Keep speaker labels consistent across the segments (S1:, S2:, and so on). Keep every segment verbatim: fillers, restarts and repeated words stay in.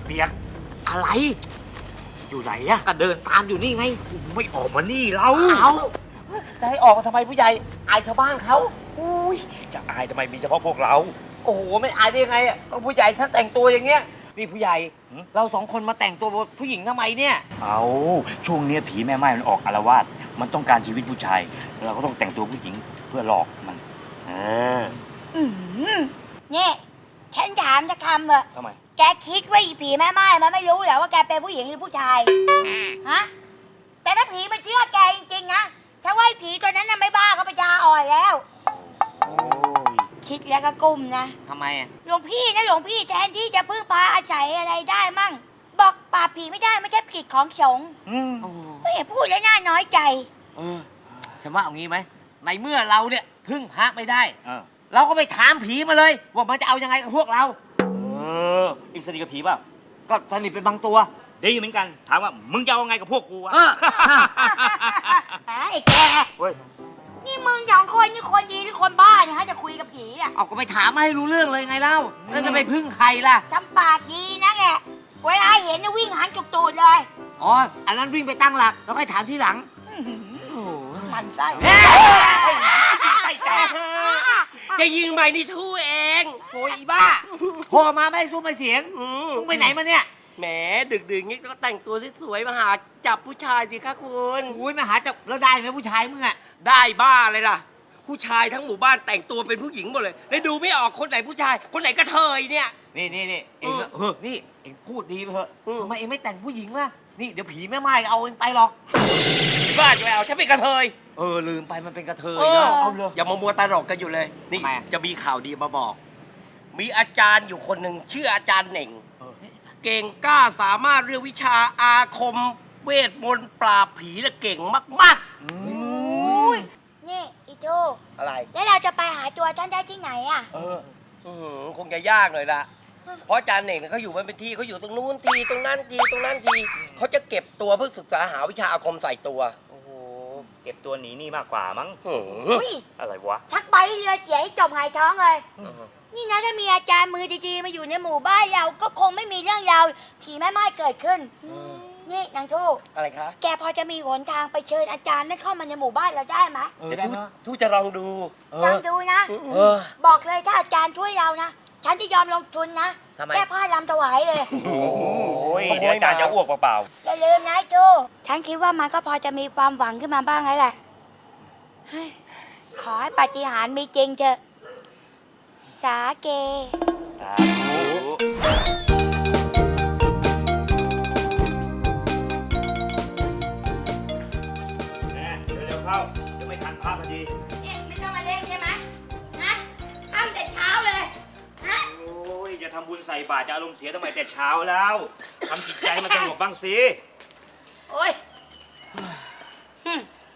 S1: เปียก
S2: อะไร
S1: อยู่ไหนอะ
S2: ก็เดินตามอยู่นี่ไง
S1: ไม่ออกมานี่เรา
S2: เอาจะให้ออกมาทำไมผู้ใหญ่อายชาวบ้านเขา
S1: อุ้ยจะอายทำไมมีเฉพาะพวกเรา
S2: โอ้โหไม่อายได้ยังไงอ่ะก็ผู้ใหญ่ฉันแต่งตัวอย่างเงี้ยนี่ผู้ใหญ่
S1: หืม
S2: เราสองคนมาแต่งตัวผู้หญิงทำไมเนี่ย
S1: เอาช่วงเนี้ยผีแม่ไม้มันออกอาละวาดมันต้องการชีวิตผู้ชายเราก็ต้องแต่งตัวผู้หญิงเพื่อหลอกมันเออ
S3: อืมนี่ฉันถามจะคำเถอะ
S1: ทำไม
S3: แกคิดว่าอีผีแม่ไม้มันไม่รู้เหรอว่าแกเป็นผู้หญิงหรือผู้ชาย ฮะ แต่ถ้าผีมันเชื่อแกจริงๆนะถ้าว่าไอ้ผีตัวนั้นน่ะไม่บ้าก็ปัญญาอ่อนแล้ว
S1: โอ้ย
S3: คิดแล้วก็กุ้มนะ
S2: ทำไมอ่ะ
S3: หลวงพี่นะหลวงพี่แทนที่จะพึ่งพาอาศัยอะไรได้มั่ง บอกปราบผีไม่ได้ไม่ใช่กิจของสงฆ์
S1: อืม
S2: โอ้โห
S3: ไม่เห็นพูดแล้วน่าน้อยใจ
S2: เออฉันว่าเอางี้ไหมในเมื่อเราเนี่ยพึ่งพระไม่ได้
S1: เออ
S2: เราก็ไปถามผีมาเลยว่ามันจะเอายังไงกับพวกเรา
S1: เอออีกสนิทกับผีเปล่า
S2: ก็สนิทเป็นบางตัว
S1: ดีเหมือนกันถามว่ามึงจะเอาไงกับพวกกูวะ
S2: เออ
S3: ไอ้แก
S1: เว้ย
S3: นี่มึงสองคนนี่คนดีหรือคนบ้าเนี่ยฮะจะคุยกับผีอ่ะ
S2: เอาก็ไปถามมาให้รู้เรื่องเลยไงเล่าแล้วจะไปพึ่งใครล่ะ
S3: ทำปากดีนะแกเวลาเห็นเนี่ยวิ่งหันจุกตูดเลย
S2: อ๋ออันนั้นวิ่งไปตั้งหลักแล้วค่อยถามทีหลังโอ้โห
S3: มันไส้
S1: ไส้แตก
S4: จะยิงใหม่นี่ทู่เอง
S2: โอ้ยอีบ้าโทรมาไม่ให้ซุ้มไม่เสียง
S4: อืม
S2: มึงไปไหนมาเนี่ย
S4: แหมดึกๆงี้ก็แต่งตัวสวยๆมาหาจับผู้ชายสิคะคุณ
S2: อุ้ยมาหาจับแล้วได้ไหมผู้ชายมึงอะ
S4: ได้บ้าเลยล่ะ ผู้ชายทั้งหมู่บ้านแต่งตัวเป็นผู้หญิงหมดเลยแล้วดูไม่ออกคนไหนผู้ชาย คนไหนกระเทยเนี่ย
S2: นี่นี่นี่เอง
S4: อืม
S2: เออนี่เองพูดดีไปเถอะ
S4: อืม
S2: ทำไมเองไม่แต่งผู้หญิงล่ะนี่เดี๋ยวผีแม่ไม้เอาเองไปหรอก
S4: บ้าจะไปเอาฉันเป็นกระเทย
S2: เออลืมไปมันเป็นกระเทย
S4: เออ
S2: เนาะเอาเลย
S4: อย่ามามัวตลกกันอยู่เลย นี่
S2: ทำไมอะ
S4: จะมีข่าวดีมาบอก มีอาจารย์อยู่คนหนึ่งชื่ออาจารย์เหน่ง เก่งกล้าสามารถเรียกวิชาอาคม เวทมนต์ปราบผีน่ะเก่งมาก
S3: อุ้ยนี่อีโจ
S4: ๆ อะไร
S3: แล้วเราจะไปหาตัวท่านได้ที่ไหนอ่ะ
S1: เออ
S4: อื้อหือคงจะยากเลยล่ะ เพราะอาจารย์เน่งเนี่ยเขาอยู่มันเป็นที่เขาอยู่ตรงนู้นทีตรงนั้นทีตรงนั้นทีเขาจะเก็บตัวเพื่อศึกษาหาวิชาอาคมใส่ตัว
S1: โอ้โหเก็บตัวหนีนี่มากกว่ามั้ง
S4: อื้อหือ
S3: อุ้ย
S1: อะไรวะ
S3: ชักใบเรือเสียให้จบหงายท้องเลย นี่นะถ้ามีอาจารย์มือดีๆมาอยู่ในหมู่บ้านเราก็คงไม่มีเรื่องราวผีแม่ไม้เกิดขึ้น นี่นางทู
S4: อะไรคะ
S3: แกพอจะมีหนทางไปเชิญอาจารย์ได้เข้ามาในหมู่บ้านเราได้ไหม
S2: เออ
S4: เดี๋ยว
S2: ได้
S4: ทู
S2: เนอะ
S4: ทูจะลองดู
S2: เอ
S3: ลอ
S2: อง
S3: ดูนะ
S2: เออ
S3: บอกเลยถ้าอาจารย์ช่วยเรานะ ฉันจะยอมลงทุนนะ
S2: ทำไม
S3: แก้ผ้าลำถวายเลย
S1: โอ้ยเดี๋ยวอาจารย์จะอ้วกเปล่า
S3: อย่าลืมนะไอ้ทูฉันคิดว่ามันก็พอจะมีความหวังขึ้นมาบ้างแล้วแหละเฮ้ยขอให้ปาฏิหาริย์มีจริงเถอะ สาเก
S1: ๆสาธุแน่เร็วๆเข้าจะไม่ทันภาพพอดี
S3: เนี่ยไม่ต้องมาเล่นใช่ไหมฮะทำแต่เช้าเลยฮะ
S1: โอ้ยจะทำบุญใส่บาตรจะอารมณ์เสียทำไมแต่เช้าแล้วทำจิตใจให้มันสงบบ้างสิ
S3: โอ้ยหึ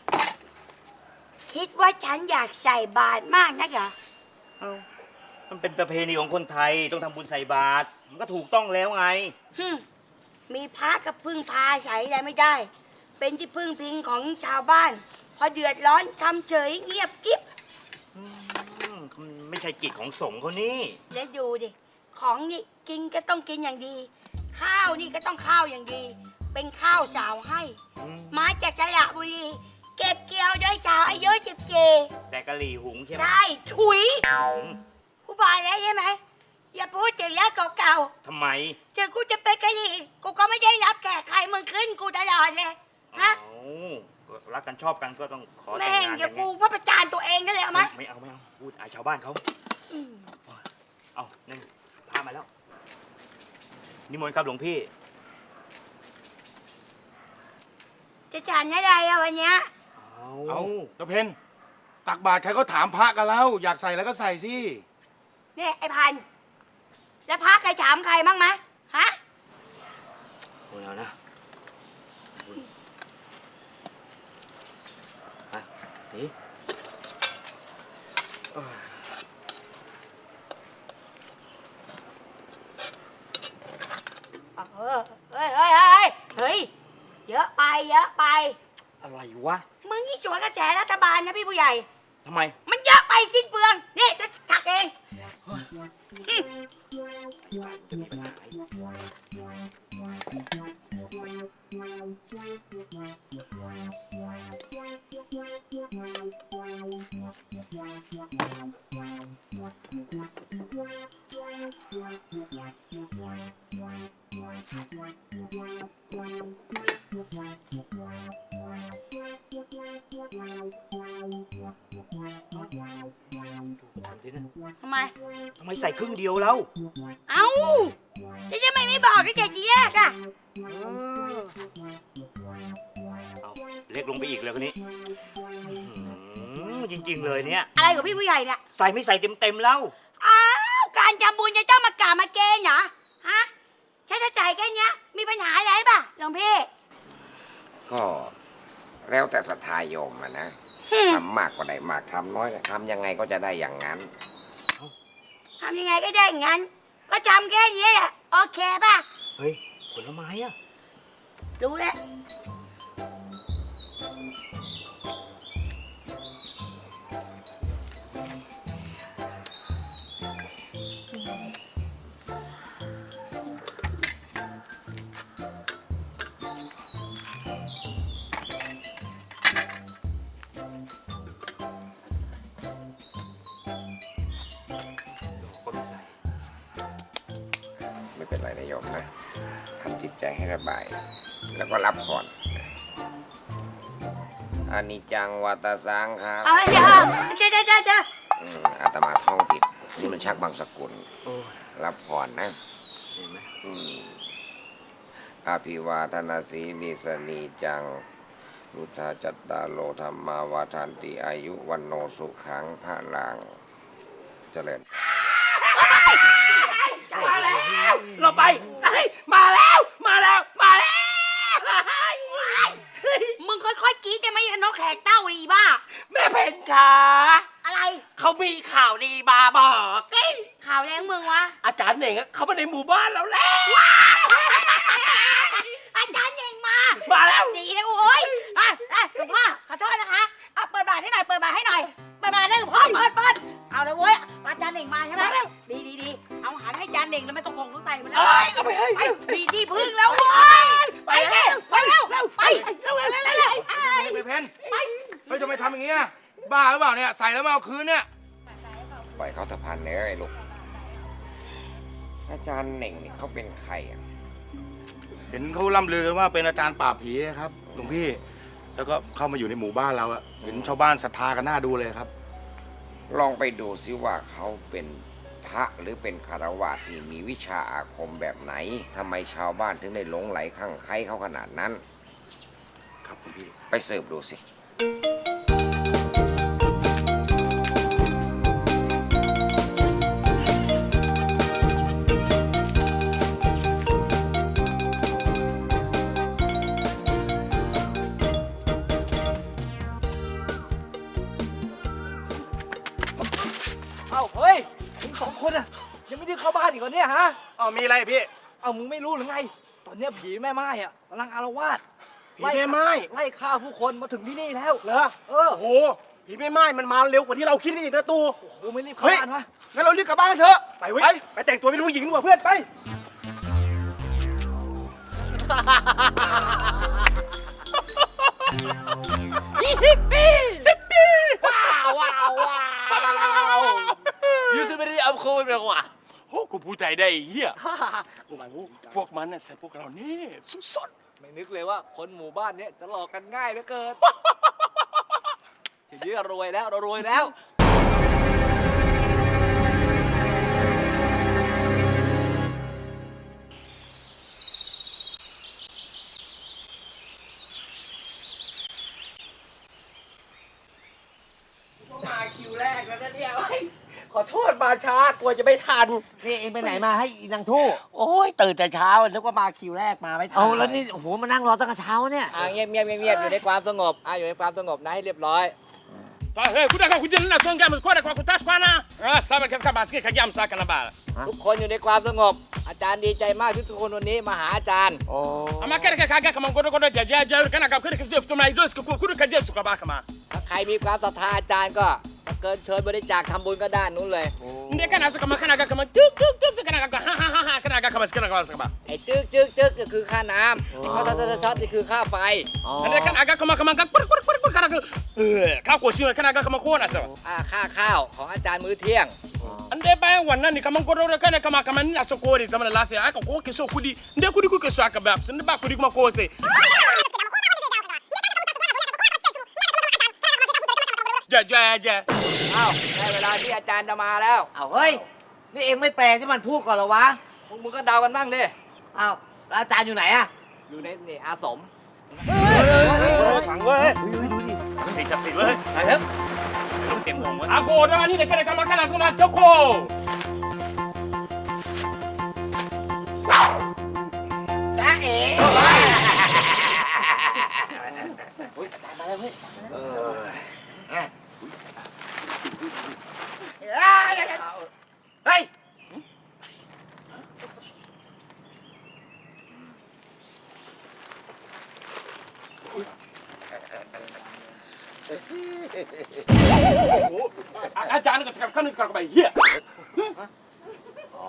S3: คิดว่าฉันอยากใส่บาตรมากนักเหรอ
S1: เอ้ามันเป็นประเพณีของคนไทยต้องทำบุญใส่บาตรมันก็ถูกต้องแล้วไง
S3: หึมีพระกับพึ่งพาใช้อะไรไม่ได้ เป็นที่พึ่งพิงของชาวบ้าน พอเดือดร้อนทำเฉยเงียบกิ๊บ
S1: อืมไม่ใช่กิจของสงฆ์เขานี่
S3: แล้วดูดิ ของนี่กินก็ต้องกินอย่างดี ข้าวนี่ก็ต้องข้าวอย่างดี เป็นข้าวสาวให้
S1: อืม
S3: มาจากจังหวัดบุรี เก็บเกี่ยวด้วยสาวอายุสิบสี่
S1: แต่กะหรี่หุงใช่ไหม
S3: ใช่ถุย
S1: อืม
S3: กูบอกแล้วใช่ไหม อย่าพูดถึงเรื่องเก่า
S1: ทำไม
S3: ๆถึงกูจะเป็นกะหรี่กูก็ไม่ได้รับแขกใครมึงขึ้นกูตลอดเลย ฮะ
S1: เอ้ารักกันชอบกันก็ต้องขอแต่ง
S3: แม่ง
S1: งาน
S3: เดี๋ยว
S1: ไง
S3: กูพระประจานตัวเองนั่นเลยเอาไหม
S1: ไม่เอาไม่เอาพูดอายชาวบ้านเขาเอานั่นพามาแล้ว นิมนต์ครับหลวงพี่
S3: จะฉันอะไรอะวันเนี้ย
S1: เอา
S5: เอาตะเพนตักบาตรใครก็ถามพระกันแล้ว อยากใส่แล้วก็ใส่สิ
S3: เนี่ยไอ้พันธุ์แล้วพระใครถามใครบ้างไหมฮะ
S1: เอาแล้วนะฮะนี่
S3: เออเฮ้ยเฮ้ยเฮ้ยเฮ้ย เยอะไป เยอะไป
S1: อะไรวะ
S3: มึงนี่สวนกระแสรัฐบาลนะพี่ผู้ใหญ่
S1: ทำไม
S3: มันเยอะไปสิ้นเปลือง นี่จะถักเองทำไม
S1: ทำไมใส่ครึ่งเดียวแล้ว
S3: เอ้าจะจะไม่ไม่บอกก็แกจะแยกอ่ะ
S1: เอาเล็กลงไปอีกเลยคนนี้อื้อหือจริง ๆ เลยเนี่ย
S3: อะไรกับพี่ผู้ใหญ่เนี่ย
S1: ใส่ไม่ใส่เต็มๆแล้ว
S3: อ้าวการทำบุญจะต้องมากราบมาเกณฑ์เหรอฮะแค่จะจ่ายแค่เนี้ยมีปัญหาอะไรป่ะหลวงพี่
S6: ก็แล้วแต่ศรัทธาโยมอะนะ
S3: หึ
S6: ทำมากก็ได้มากทำน้อยก็ทำยังไงก็จะได้อย่างนั้น
S3: ทำยังไงก็ได้อย่างนั้น ก็ทำแค่นี้แหละโอเคป่ะ
S1: เฮ้ย ผลไม้อะ
S3: รู้แล้ว
S1: ก็ไม่ใส่
S6: ไม่เป็นไรนะโยมนะทำจิตใจให้ระบาย แล้วก็รับก่อนอานิจจังวัตสังขา
S3: เอาให้เดี๋ยวเดี๋ยวเดี๋ยวเดี๋ยวเดี๋ยว
S6: อืมอาตมาท่องผิด นี่มันชักบางสกุล
S1: โอ้ย
S6: รับผ่อนนะ
S1: เห็นไหม
S6: อืมอภิวาทนาสีนิสนีจังรุทธาจัตตาโลธรรมาวาทันติอายุวันโนสุขังพระลังเจริญ
S4: มาแล้วเราไปเฮ้ยมาแล้ว มาแล้ว มาแล้ว
S3: มึงค่อยๆกรี๊ดจะไม่ยันนกแขกเต้าดีบ้า
S4: แม่เพนค่ะ
S3: อะไร
S4: เขามีข่าวดีมาบอกเอ้ย
S3: ข่าวแรงมึงวะ
S4: อาจารย์เหน่งอะเขามาในหมู่บ้านเราแล้ว
S3: อาจารย์เองมา
S4: มาแล้ว
S3: ดีเลยโอ้ยอ่ะอ่ะหลวงพ่อขอโทษนะคะเอาเปิดบาทให้หน่อยเปิดบาทให้หน่อยเปิดบาทได้หลวงพ่อเปิดเปิดเอาเลยเว้ยอาจารย์เองมาใช่ไหมดีดีดีเอาหันให้อาจารย์เองแล้วไม่ต้องคงต้องใส่มาแล้ว
S4: เอ้ยเอาไปให้
S3: ไปดีดีพึ่งแล้วเว้ยไปเร็วไปเร็วไปเร็วเร็วเร็วเร็ว
S5: ไปเพนเฮ้ยทำไมทำอย่างเงี้ยบ้าหรือเปล่าเนี่ย ใส่แล้วไม่เอาคืนเนี่ย
S6: ปล่อยเขาสะพานเนื้อไอ้ลูก อาจารย์เหน่งนี่เขาเป็นใครอ่ะ
S5: เห็นเขาล่ำลือกันว่าเป็นอาจารย์ปราบผีครับหลวงพี่ แล้วก็เข้ามาอยู่ในหมู่บ้านเราอะเห็นชาวบ้านศรัทธากันน่าดูเลยครับ
S6: ลองไปดูซิว่าเขาเป็นพระหรือเป็นคารวะที่มีวิชาอาคมแบบไหนทำไมชาวบ้านถึงได้หลงไหลคลั่งไคล้เขาขนาดนั้น
S5: ครับหลวงพี่
S6: ไปสืบดูสิ
S2: เอ้าเฮ้ยมึงสองคนอะยังไม่ได้เข้าบ้านอีกเหรอเนี่ยฮะ
S5: อ๋อมีอะไรพี่
S2: เอ้ามึงไม่รู้หรือไง ตอนเนี้ยผีแม่ไม้อะกำลังอาละวาด
S5: ผีแม่ไม้
S2: ไล่ฆ่าผู้คนมาถึงที่นี่แล้ว
S5: เหรอ
S2: เออ
S5: โอ้โหผีแม่ไม้มันมาเร็วกว่าที่เราคิดอีกนะตู
S2: โอ้โหไม่รีบเข้า
S5: เฮ้ย
S2: บ้านวะ
S5: งั้นเรารีบกลับบ้านเถอะ ไปเว้ย ไปแต่งตัวเป็นผู้หญิงดีกว่าเพื่อนไป
S4: ว้าวว้าวว้าว
S2: ยูซูไม่ได้เอาโควิดไปกว่า
S5: โอ้กูพูดใจได้ไอ้เฮียโอ้โหพวกมันน่ะใส่พวกเรานี่สุด
S2: ไม่นึกเลยว่าคนหมู่บ้านเนี้ยจะหลอกกันง่ายเหลือเกิน ทีนี้รวยแล้วเรารวยแล้ว
S4: มาคิวแรกแล้วนะเนี่ยเฮ้ยขอโทษมาช้ากลัวจะไม่ทัน
S2: นี่เองไปไหนมาให้อีนางทู่
S4: โอ้ยตื่นแต่เช้านึกว่ามาคิวแรกมาไม่ทัน
S2: เอาแล้วนี่โอ้โหมานั่งรอตั้งแต่เช้าเนี่ย
S7: อ่าเงียบเงียบเงียบเงียบอยู่ในความสงบอ่าอยู่ในความสงบนะให้เรียบร้อย
S8: Hey, kuda kwa kujina songa mkwara kwa kutashwana. Ah, saba katika basike kajam saka na bala.
S7: ทุกคนอยู่ในความสงบ อาจารย์ดีใจมากที่ทุกคนวันนี้มาหาอาจารย์
S8: Ama kare kaga kama ngodo ngodo jaja jaja kana ka kure kasi ftuma izo siku kure kaje suka baka ma.
S7: ถ้าใครมีความศรัทธาอาจารย์ก็มากเกินเชิญบริจาคทำบุญก็ด้านนู้นเลย
S8: Dia kan asa kama kana kama tuk tuk tuk kana kama ha ha ha ha kana kama kana kama kama.
S7: ไอ้จึ๊กจึ๊กจึ๊กก็คือค่าน้ำช็อตช็อตช็อตนี่คือค่าไฟ
S8: Dia kan agak kama kama kur kur kur kur kana eh ka ko shi kana kama ko na sa.
S7: อ่าค่าข้าวของอาจารย์มื้อเที่ยง
S8: Ande bayan wannan ni kaman ko kana kama kama ni aso ko ri zaman lafiya aka ko ke so kudi inde kudi ku ke so aka ba sun ba kudi kuma ko sai. Ja ja ja.
S7: อ้าวได้เวลาที่อาจารย์จะมาแล้ว
S3: เอาเฮ้ย นี่เองไม่แปลที่มันพูดก่อนเหรอวะ
S7: พวกมึงก็เดากันบ้างดิ
S3: อ้าวแล้วอาจารย์อยู่ไหนอะ
S7: อยู่ในนี่อาสม
S1: ขังเว้ยสิจับสิเว้ยตายแล้วเต็มหัว
S8: Ako ora ni de kana kama kana suna toko.
S3: จ้าเอ๋
S5: เฮ้ย
S8: Aja anu sekarang kan sekarang kembali. Iya.
S5: อ๋อ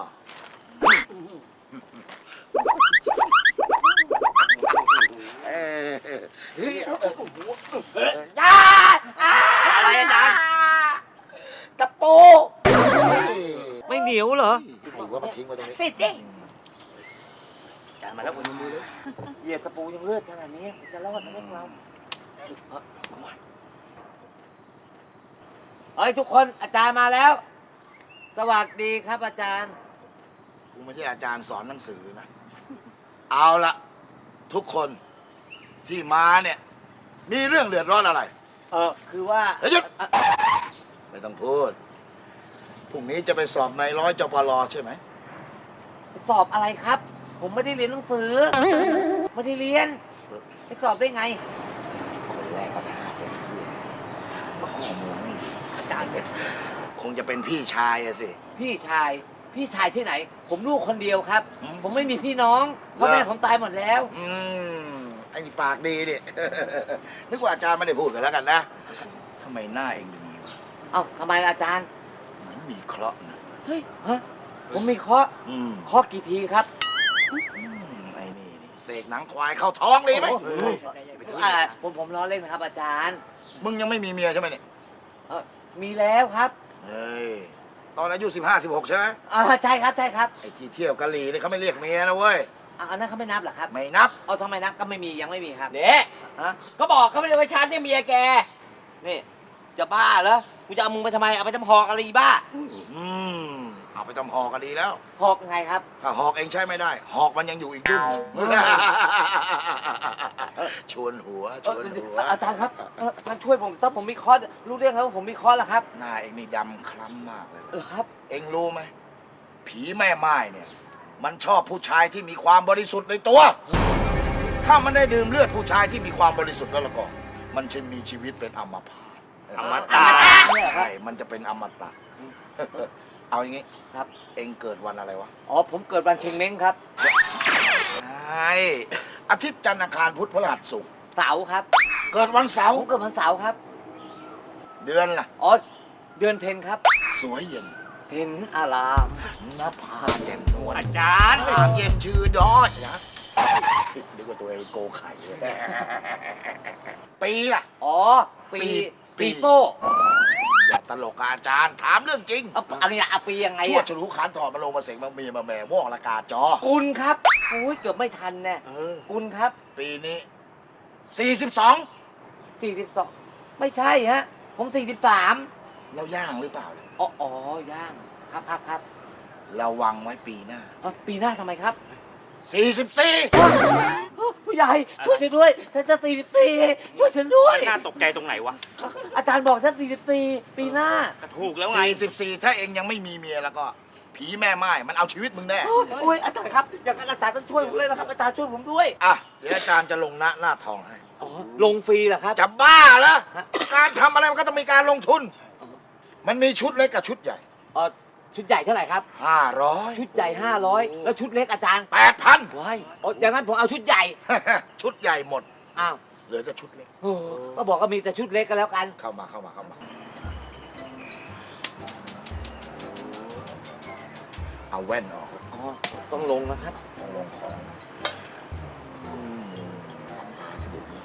S5: เออเฮ้ย
S3: อะไรอาจารย์ตะปู
S2: ไม่เหนียวเหรอ
S5: ไอ้ว่ามาทิ้งไว้ตรงนี้
S3: สิดิ
S1: จานมาแล้วบนมือเลย
S3: เหยียบตะปูยังเลือดขนาดนี้จะรอดไหมพวกเราเฮ้ยทุกคนอาจารย์มาแล้ว สวัสดีครับอาจารย์
S5: กูไม่ใช่อาจารย์สอนหนังสือนะ เอาละทุกคนที่มาเนี่ย มีเรื่องเดือดร้อนอะไร
S3: เออคือว่า
S5: เฮ้ยหยุด ไม่ต้องพูด พรุ่งนี้จะไปสอบในร้อยจปรใช่ไหม
S3: สอบอะไรครับ ผมไม่ได้เรียนหนังสือ ไม่ได้เรียนไปสอบได้ไง
S5: คนแรกก็พลาดเลยข้อมูลไม่ดีอาจารย์เนี่ยคงจะเป็นพี่ชายอะสิ
S3: พี่ชาย พี่ชายที่ไหน ผมลูกคนเดียวครับ
S5: อืม
S3: ผมไม่มีพี่น้องพ่อแม่
S5: เหรอ
S3: ผมตายหมดแล้ว
S5: อืมไอ้นี่ปากดีดิ นึกว่าอาจารย์ไม่ได้พูดกันแล้วกันนะทำไมหน้าเองดูนี้วะ
S3: เอ้าทำไมล่ะอาจารย์
S5: เหมือนมีเคราะห์นะ
S3: เฮ้ยฮะผมมีเคราะห์
S5: อืม
S3: เคราะห์กี่ทีครับ
S5: อืมไอ้นี่นี่เสกหนังควายเข้าท้องเลยไหม
S3: อ่าผมผมล้อเล่นนะครับอาจารย์
S5: มึงยังไม่มีเมียใช่ไหมเนี่ย
S3: เออมีแล้วครับ
S5: เฮ้ย ตอนอายุสิบห้าสิบหกใช่ไหม
S3: อ่าใช่ครับใช่ครับ
S5: ไอ้ที่เที่ยวกะหรี่นี่เขาไม่เรียกเมียนะเว้ย
S3: อ่าอันนั้นเขาไม่นับเหรอครับ
S5: ไม่นับ
S3: เอาทำไมนับก็ไม่มียังไม่มีครับ
S4: เนี่ย
S3: ฮะ
S4: ก็บอกเขาไม่ได้ว่าฉันเนี่ยเมียแก
S3: นี่จะบ้าเหรอกูจะเอามึงไปทำไมเอาไปทำหอกอะไรอีบ้า
S5: อืมเอาไปทำหอกกันดีแล้ว
S3: หอกยังไงครับ
S5: ถ้าหอกเองใช้ไม่ได้ หอกมันยังอยู่อีกดุ้งหนึ่งชวนหัวชวนหัว
S3: เอ่ออาจารย์ครับเอ่องั้นช่วยผมถ้าผมมีคอร์สรู้เรื่องครับว่าผมมีคอร์สแล้วครับ
S5: หน้าเองนี่ดำคล้ำมากเลย
S3: เหรอครับ
S5: เองรู้ไหมผีแม่ไม้เนี่ย มันชอบผู้ชายที่มีความบริสุทธิ์ในตัว ถ้ามันได้ดื่มเลือดผู้ชายที่มีความบริสุทธิ์แล้วล่ะก็ มันจะมีชีวิตเป็นอมพาต
S1: อมตะ
S5: ใช่มันจะเป็นอมตะ เอาอย่างงี้
S3: ครับ
S5: เองเกิดวันอะไรวะ
S3: อ๋อผมเกิดวันเชงเม้งครับ
S5: ใช่อาทิตย์จันทร์อังคารพุธพฤหัสศุกร์
S3: เสาร์ครับ
S5: เกิดวันเสาร์
S3: ผมเกิดวันเสาร์ครับ
S5: เดือนล่ะ
S3: อ๋อเดือนเพ็ญครับ
S5: สวยเย็น
S3: เพ็ญอาราม
S5: หน้าผาแจ่มนวล
S1: อาจารย์
S5: อามเย็นชื่อดอยนะนึกว่าตัวเองเป็นโกไข่เลยปีล่ะ
S3: อ๋อปี
S5: ปี
S3: ปีโป้
S5: อย่าตลกกับอาจารย์ ถามเรื่องจริง
S3: เอาอะไรอะเอาปียังไง
S5: ชั่ว
S3: อะ
S5: ฉลูขานถอดมาลงมาเสกมามีมาแหม่วอกละกาจอ
S3: กุลครับโอ้ยเกือบไม่ทันแน่
S5: เออ
S3: กุลครับ
S5: ปีนี้สี่สิบสอง
S3: สี่สิบสองไม่ใช่ฮะ ผมสี่สิบสาม
S5: เราย่างหรือเปล่าเนี่ย
S3: อ๋ออ๋อย่างครับครับครับ
S5: ระวังไว้ปีหน้า
S3: เอ้าปีหน้าทำไมครับ
S5: สี่สิบสี่
S3: ผู้ใหญ่ช่วยฉันด้วยฉันจะสี่สิบสี่ช่วยฉันด้วย
S1: น่าตกใจตรงไหนวะ
S3: อาจารย์บอกฉันสี่สิบสี่ปีหน้า
S1: ก็ถูกแล้วไง
S5: สี่สิบสี่ถ้าเองยังไม่มีเมียแล้วก็ ผีแม่ไม้มันเอาชีวิตมึงแน่
S3: โอ้ยอาจารย์ครับอย่างนั้นอาจารย์ต้องช่วยผมเลยนะครับอาจารย์ช่วยผมด้วย
S5: อ่ะเดี๋ยวอาจารย์จะลงหน้าหน้าทองให้
S3: อ๋อลงฟรีเหรอครับ
S5: จะบ้าเหรอการทำอะไรมันก็ต้องมีการลงทุน มันมีชุดเล็กกับชุดใหญ่
S3: อ๋อชุดใหญ่เท่าไหร่ครับ
S5: ห้าร้อย
S3: ชุดใหญ่ห้าร้อยแล้วชุดเล็กอาจารย์
S5: แปดพัน
S3: ว้ายอ๋ออย่างนั้นผมเอาชุดใหญ่
S5: ชุดใหญ่หมด
S3: อ้าว
S5: เหลือแต่ชุดเล็ก
S3: โอ้ก็บอกว่ามีแต่ชุดเล็กก็แล้วกัน
S5: เข้ามาเข้ามาเข้ามาเอาแว่นออก
S2: อ๋อ ต้องลงนะครับ
S5: ต้องลงของอืมหาเสด็จ